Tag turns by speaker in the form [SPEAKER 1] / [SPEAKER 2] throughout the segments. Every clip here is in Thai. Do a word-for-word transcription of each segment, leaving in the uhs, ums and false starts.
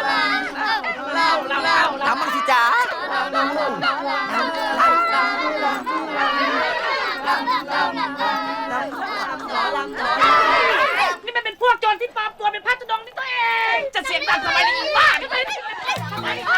[SPEAKER 1] เล่าเล่าเล่าทำมั่งสิจ๋า
[SPEAKER 2] นี่มันเป็นพวกโจรที่ปลอมตัวเป็นพระธุดงค์นี่ตัวเอง จะเสียงดังทำไมนี่อีบ้าทำไมนี่ทำไมนี่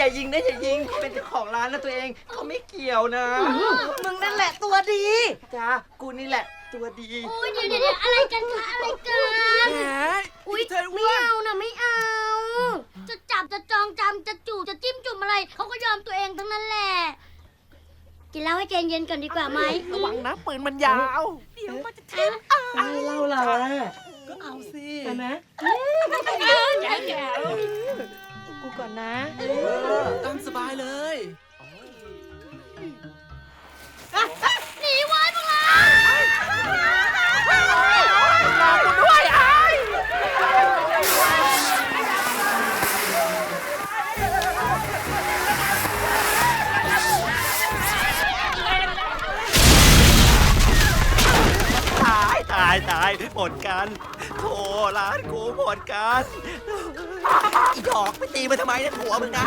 [SPEAKER 1] ยิงนะอย่ายิงเขาเป็นเจ้าของร้านนะตัวเองเขาไม่เกี่ยวนะ มึงนั่นแหละตัวดีจ้ากูนี่แหละตัวดี
[SPEAKER 3] โอ้ยเดี๋ยวเดี๋ยวเดี๋ยวอะไรกันคะอะไรกัน
[SPEAKER 1] แหม
[SPEAKER 3] อุ้ยไม่เอานะไม่เอา จะจับจะจองจำจะจู่จะจิ้มจุ่มอะไรเขาก็ยอมตัวเองทั้งนั้นแหละ กินเหล้าให้ใจเย็นก่อนดีกว่าไหม
[SPEAKER 1] ระวังนะปืนมันยาว
[SPEAKER 3] เดี๋ยวมันจะทิ้ง
[SPEAKER 1] ไม่เล่าเราก็เอาสิใช่ไหม
[SPEAKER 2] แจ๋วแจ๋ว
[SPEAKER 1] กูก่อนนะตามสบายเลย
[SPEAKER 3] หนีไว้พวกเรา
[SPEAKER 1] รอกูด้วยไอ้ตายตายตายหมดกันโถร้านกูหมดกันอีดอกไปตีมาทำไมเนี่ยผัวมึงนะ